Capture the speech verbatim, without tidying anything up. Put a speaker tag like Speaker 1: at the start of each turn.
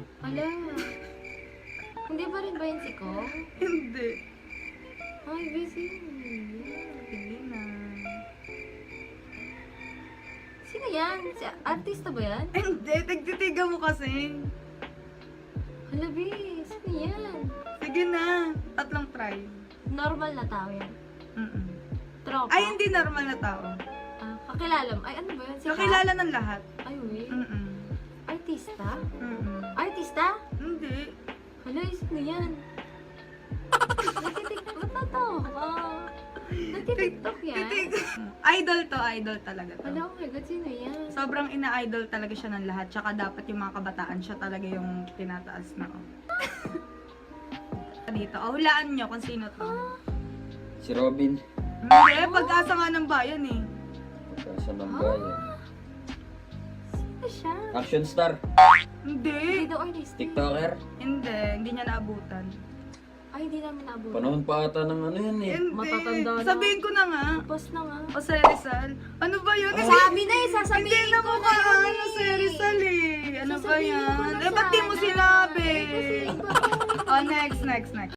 Speaker 1: Ala. Hindi pa rin ba yun si Kong?
Speaker 2: Hindi.
Speaker 1: Ay, busy.
Speaker 2: Hindi na.
Speaker 1: Sino yan? Si artista ba yan?
Speaker 2: Hindi, tigtitiga mo kasi.
Speaker 1: Hala, B. Sino yan?
Speaker 2: Sige na, tatlong try.
Speaker 1: Normal na tao yan.
Speaker 2: Mm-mm.
Speaker 1: Tropa.
Speaker 2: Ay, hindi normal na tao.
Speaker 1: Ah, kakilala mo. Ay, ano ba yun? Si
Speaker 2: Kakilala ng lahat.
Speaker 1: Ay, wait.
Speaker 2: Mm-mm.
Speaker 1: Artista?
Speaker 2: Mm-mm.
Speaker 1: Artista?
Speaker 2: Hindi.
Speaker 1: Hala, sino yan? Nagtitik... Ba't natawa ka? Nagtitiktok yan?
Speaker 2: Titig. Idol to, idol talaga to.
Speaker 1: Hala, oh my God, sino yan?
Speaker 2: Sobrang ina-idol talaga siya ng lahat. Tsaka dapat yung mga kabataan siya talaga yung tinataas na. Oh. Dito, oh, hulaan nyo kung sino to.
Speaker 3: Si Robin.
Speaker 2: Hindi, pag-asa nga ng bayan eh.
Speaker 3: Pagkasa ng bayan.
Speaker 1: Sino siya?
Speaker 3: Action star.
Speaker 2: Hindi.
Speaker 1: Hindi daw artista.
Speaker 3: TikToker.
Speaker 2: Hindi, hindi niya naabutan.
Speaker 1: Ay, hindi namin naabutan.
Speaker 3: Panahon pa ata ng ano yun eh.
Speaker 2: Hindi.
Speaker 1: Matatanda na.
Speaker 2: Sabihin ko na nga.
Speaker 1: Tapos na nga.
Speaker 2: O si Rizal. Ano ba yun?
Speaker 3: Ah.
Speaker 1: Sabi na eh,
Speaker 2: Hindi
Speaker 1: sasabihin
Speaker 2: na
Speaker 1: ko
Speaker 2: mo
Speaker 1: na
Speaker 2: ka
Speaker 1: yun
Speaker 2: ano si Rizal eh. Ano ba
Speaker 1: Sasabihin ko
Speaker 2: yan?
Speaker 1: na
Speaker 2: Eh, ba't di mo
Speaker 1: sana.
Speaker 2: sinabi?
Speaker 1: Eh, kasi iba.
Speaker 2: Oh, next, next, next.